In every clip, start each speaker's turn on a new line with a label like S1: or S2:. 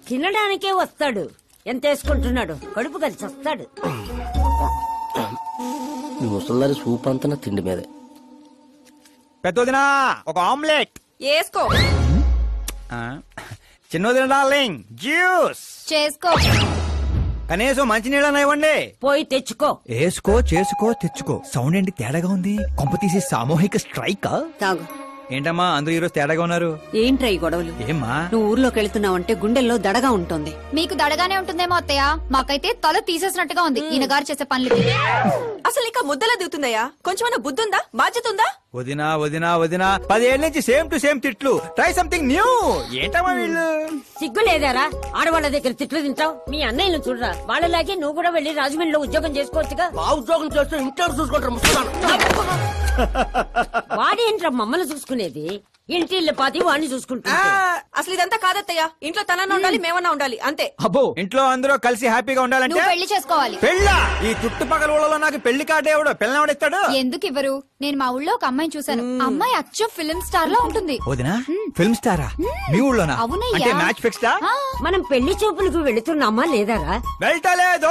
S1: తినడానికే వస్తాడు. ఎంత వేసుకుంటున్నాడు? కడుపు కలిసి వస్తాడు.
S2: ముసల్దారి సూప్ అంతా తిండి మీదే.
S3: పెద్దదినా ఒక ఆమ్లెట్
S4: వేసుకో.
S3: చిన్నదిన డార్లింగ్ జ్యూస్
S4: చేసుకో.
S3: కనీసం మంచినీళ్ళన్నా ఇవ్వండి.
S1: పోయి తెచ్చుకో.
S3: వేసుకో, చేసుకో, తెచ్చుకో. సౌండ్ ఏంటి తేడాగా ఉంది? కొంప తీసి సామూహిక స్ట్రైక్.
S4: తాగు.
S3: ఏంటమ్మా అందరూ ఈరోజు తేడాగా ఉన్నారు?
S4: ఏంట్రా ఈ గొడవలు?
S3: ఏమ్మా
S4: నువ్వు ఊర్లోకి వెళ్తున్నావంటే గుండెల్లో దడగా ఉంటుంది.
S5: మీకు దడగానే ఉంటుందేమో అత్తయ్య, మాకైతే తల తీసేసినట్టుగా ఉంది ఈయన గారు చేసే పనులు.
S4: అసలు ఇంకా ముద్దలా దిగుతుందయ్యా? కొంచెమైనా బుద్ధి ఉందా? బాధ్యత ఉందా?
S3: వదినా వదినా వదినా 10 ఏళ్ల నుంచి సేమ్ టు సేమ్ తిట్లు. Try something new. ఏంటమ్మా వీళ్ళు?
S1: సిగ్గు లేదారా? ఆడవాళ్ళ దగ్గర తిట్లు తింటావు. మీ అన్నయ్యను చూడరా, వాళ్ళలాగే నువ్వు కూడా వెళ్లి రాజమండ్రిలో ఉద్యోగం చేసుకోవచ్చుగా.
S2: మా ఉద్యోగం చేస్తే ఇంట్లో చూసుకుంటారు ముసల్దారు.
S1: వాడేంట్రా మమ్మల్ని చూసుకునేది? ఇంటి ఇల్లు పాతి వాడిని చూసుకుంటా.
S4: అసలు ఇదంతా కాదత్తయ్యా. ఇంట్లో తనన్నా ఉండాలి, మేమన్నా ఉండాలి, అంతే.
S3: అబ్బో, ఇంట్లో అందరూ కలిసి హ్యాపీగా ఉండాలంటే
S5: నువ్వు పెళ్లి చేసుకోవాలి.
S3: పెళ్ళా? ఈ చుట్టుపక్కల ఊళ్ళలో నాకు పెళ్లి కార్డు ఎవడు పిల్లవాడిస్తాడు?
S5: ఎందుకు ఇవ్వరు? నేను మా ఊళ్ళో ఒక అమ్మాయిని చూశాను. అమ్మాయి అచ్చం ఫిల్మ్ స్టార్ లో ఉంటుంది.
S3: వదినా ఫిల్మ్ స్టారా? మీ ఊళ్ళోనా?
S5: అవునయ్యా.
S3: అంటే మ్యాచ్ ఫిక్స్డా?
S1: మనం పెళ్లి చూపులకు వెళుతున్నామా లేదారా?
S3: వెళ్ళలేదు.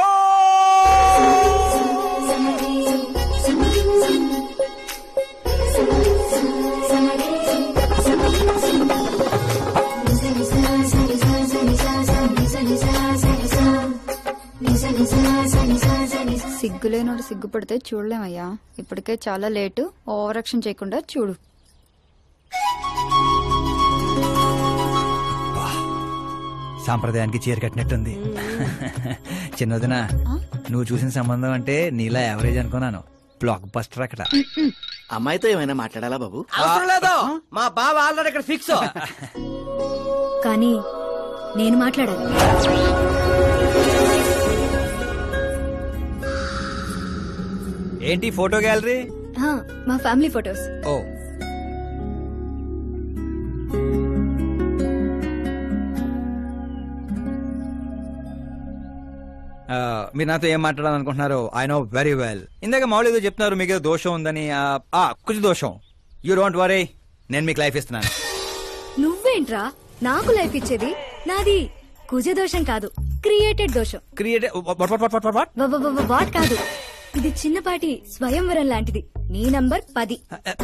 S5: సిగ్గులేనోడు సిగ్గుపడితే చూడలేమయ్యా. ఇప్పటికే చాలా లేటు. ఓవర్ యాక్షన్ చేయకుండా చూడు.
S3: సాంప్రదాయానికి చీర కట్టినట్టుంది. చిన్నదిన నువ్వు చూసిన సంబంధం అంటే నీలా యావరేజ్ అనుకున్నాను. బ్లాక్ బస్టర్ అక్కడ.
S2: అమ్మాయితో ఏమైనా మాట్లాడాలా బాబు?
S6: అవసరం లేదు, మా బావ ఆల్రెడీ ఇక్కడ ఫిక్స్.
S5: కానీ నేను మాట్లాడాలి.
S3: ఏంటి ఫోటో గ్యాలరీ?
S5: మా ఫ్యామిలీ ఫొటోస్.
S3: ఓ, మీరు నాతో ఏం మాట్లాడాలనుకుంటున్నారు? I know very well. ఇందాక మామూలు ఏదో చెప్తున్నారు, మీకు ఏదో దోషం ఉందని. కుజ దోషం. యూ డోంట్ వరీ, నేను మీకు లైఫ్ ఇస్తున్నాను.
S5: నువ్వేంట్రా నాకు లైఫ్ ఇచ్చేది? నాది కుజ దోషం కాదు, క్రియేటెడ్ దోషం. వాట్ కాదు, ఇది చిన్నపాటి స్వయంవరం లాంటిది. నీ నంబర్ 10.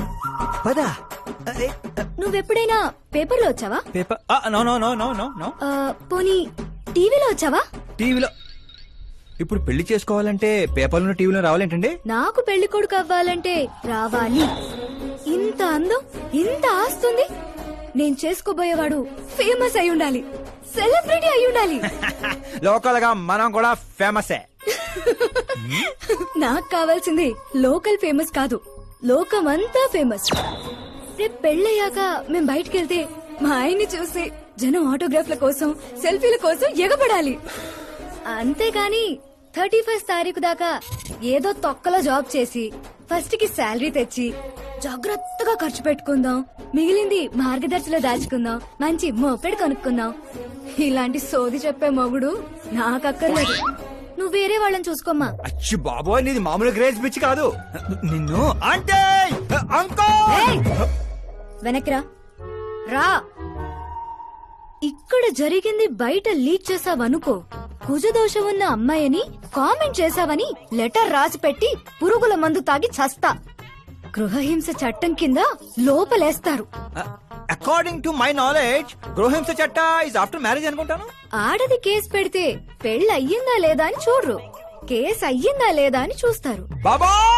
S5: నువ్వెప్పుడైనా పేపర్లో వచ్చావా?
S3: Paper? No no no no no no.
S5: పోనీ టీవీలో వచ్చావా?
S3: టీవీలో? ఇప్పుడు పెళ్లి చేసుకోవాలంటే పేపర్లో టీవీలో రావాలేంటండి?
S5: నాకు పెళ్లి కొడుకు అవ్వాలంటే రావాలి. ఇంత అందం, ఇంత ఆస్తుంది. నేను చేసుకోబోయేవాడు ఫేమస్ అయి ఉండాలి, సెలబ్రిటీ అయి ఉండాలి.
S3: లోకల్ గా మనం కూడా ఫేమసే.
S5: నాకు కావాల్సింది లోకల్ ఫేమస్ కాదు, లోకమంతా ఫేమస్. రేపు పెళ్ళయ్యాక మేం బయటకెళ్తే మా ఆయన్ని చూసి జనం ఆటోగ్రాఫ్ల కోసం, సెల్ఫీల కోసం ఎగబడాలి. అంతేగాని 31st తారీఖు దాకా ఏదో తొక్కలో జాబ్ చేసి ఫస్ట్ కి శాలరీ తెచ్చి జాగ్రత్తగా ఖర్చు పెట్టుకుందాం, మిగిలింది మార్గదర్శిలో దాచుకుందాం, మంచి మోపెడు కొనుక్కుందాం. ఇలాంటి సోది చెప్పే మొగుడు నాకక్కర్లేదు. నువ్వు వేరే వాళ్ళని చూసుకోమ్మా.
S3: అచ్చి బాబోయ్, నీది మామూలు గ్రేజ్ పిచ్చి కాదు. నిన్ను అంటే
S5: వెనక్రా రా. ఇక్కడ జరిగింది బయట లీక్ చేసావనుకో, కుజదోషం ఉన్న అమ్మాయిని కామెంట్ చేశావని లెటర్ రాసి పెట్టి పురుగుల మందు తాగి చస్తా. గృహహింస చట్టం కింద లోపలేస్తారు.
S3: అకార్డింగ్ టు మై నాలెడ్జ్ గృహహింస చట్ట ఇస్ ఆఫ్టర్ మ్యారేజ్ అనుకుంటాను.
S5: ఆడది కేసు పెడితే పెళ్లి అయ్యిందా లేదా అని చూడరు, కేసు అయ్యిందా లేదా అని చూస్తారు.
S3: బాబా